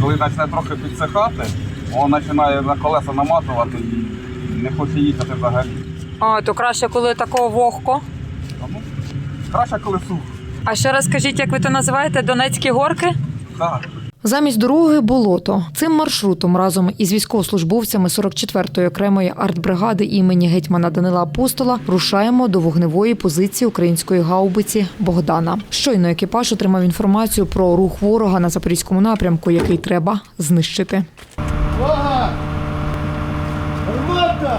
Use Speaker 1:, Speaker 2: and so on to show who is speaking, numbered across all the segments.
Speaker 1: Коли почне трохи підсихати, він починає на колеса наматувати і не хоче їхати взагалі.
Speaker 2: А, то краще, коли такого вогко.
Speaker 1: Ну, краще, коли сухо.
Speaker 2: А ще раз скажіть, як ви то називаєте, Донецькі горки?
Speaker 1: Так.
Speaker 3: Замість дороги – болото. Цим маршрутом разом із військовослужбовцями 44-ї окремої артбригади імені гетьмана Данила Апостола рушаємо до вогневої позиції української гаубиці «Богдана». Щойно екіпаж отримав інформацію про рух ворога на запорізькому напрямку, який треба знищити.
Speaker 4: Увага! Гармата!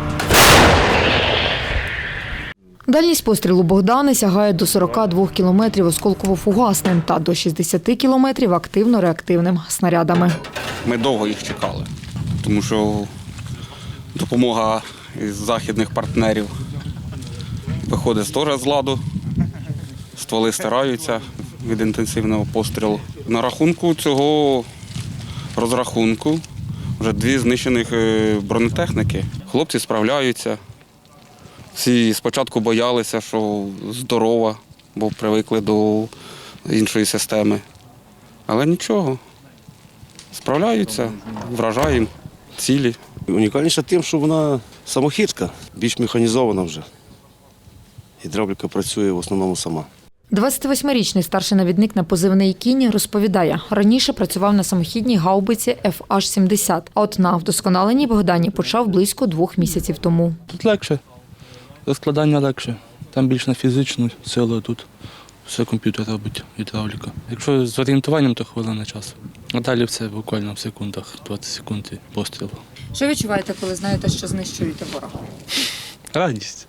Speaker 3: Дальність пострілу «Богдани» сягає до 42 кілометрів осколково-фугасним та до 60 кілометрів активно-реактивним снарядами.
Speaker 1: Ми довго їх чекали, тому що допомога із західних партнерів виходить теж з ладу. Стволи стираються від інтенсивного пострілу. На рахунку цього розрахунку вже 2 знищених бронетехніки. Хлопці справляються. Всі спочатку боялися, що здорова, бо привикли до іншої системи. Але нічого, справляються, вражаємо цілі.
Speaker 5: Унікальніша тим, що вона самохідка, більш механізована вже. Гідравліка працює в основному сама.
Speaker 3: 28-річний старший навідник на позивний «Кінь» розповідає, раніше працював на самохідній гаубиці FH-70, а от на вдосконаленій «Богдані» почав близько 2 місяців тому.
Speaker 6: Тут легше, розкладання легше. Там більш на фізичну силу, тут все комп'ютер робить, гідравліка. Якщо з орієнтуванням, то хвилина часу. А далі все буквально в секундах, 20 секунд і постріл.
Speaker 2: Що відчуваєте, коли знаєте, що знищуєте ворога?
Speaker 6: Радість.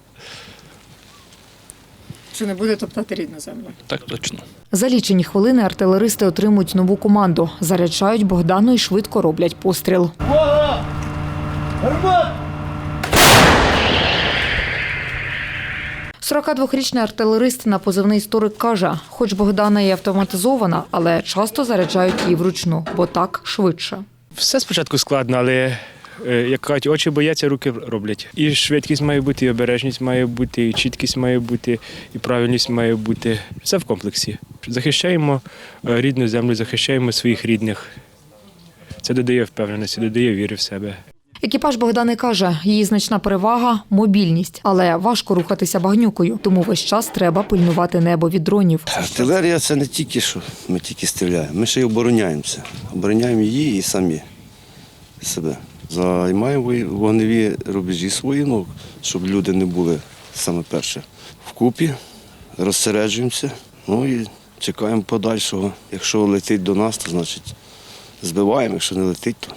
Speaker 2: Що не буде топтати рідну землю?
Speaker 6: Так точно.
Speaker 3: За лічені хвилини артилеристи отримують нову команду, заряджають «Богдану» і швидко роблять постріл.
Speaker 4: Увага! Гармата!
Speaker 3: 42-річний артилерист на позивний «Історик» каже, хоч «Богдана» і автоматизована, але часто заряджають її вручну, бо так швидше.
Speaker 7: Все спочатку складно, але, як кажуть, очі бояться, руки роблять. І швидкість має бути, і обережність має бути, і чіткість має бути, і правильність має бути. Все в комплексі. Захищаємо рідну землю, захищаємо своїх рідних. Це додає впевненості, додає віри в себе.
Speaker 3: Екіпаж «Богдани» каже, її значна перевага – мобільність, але важко рухатися багнюкою, тому весь час треба пильнувати небо від дронів.
Speaker 5: Артилерія – це не тільки, що ми тільки стріляємо, ми ще й обороняємося. Обороняємо її і самі себе. Займаємо вогневі рубежі свої, щоб люди не були саме перше. Вкупі розсереджуємося, і чекаємо подальшого. Якщо летить до нас, то значить збиваємо, якщо не летить, то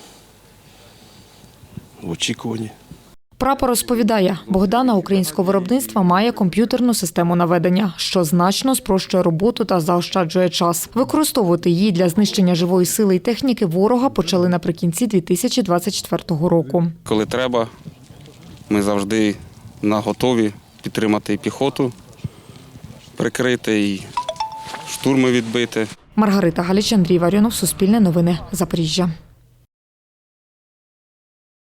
Speaker 5: в очікуванні.
Speaker 3: Прапор розповідає, «Богдана» українського виробництва має комп'ютерну систему наведення, що значно спрощує роботу та заощаджує час. Використовувати її для знищення живої сили і техніки ворога почали наприкінці 2024 року.
Speaker 1: Коли треба, ми завжди наготові підтримати і піхоту, прикрити, і штурми відбити.
Speaker 3: Маргарита Галіч, Андрій Варіонов, Суспільне новини, Запоріжжя.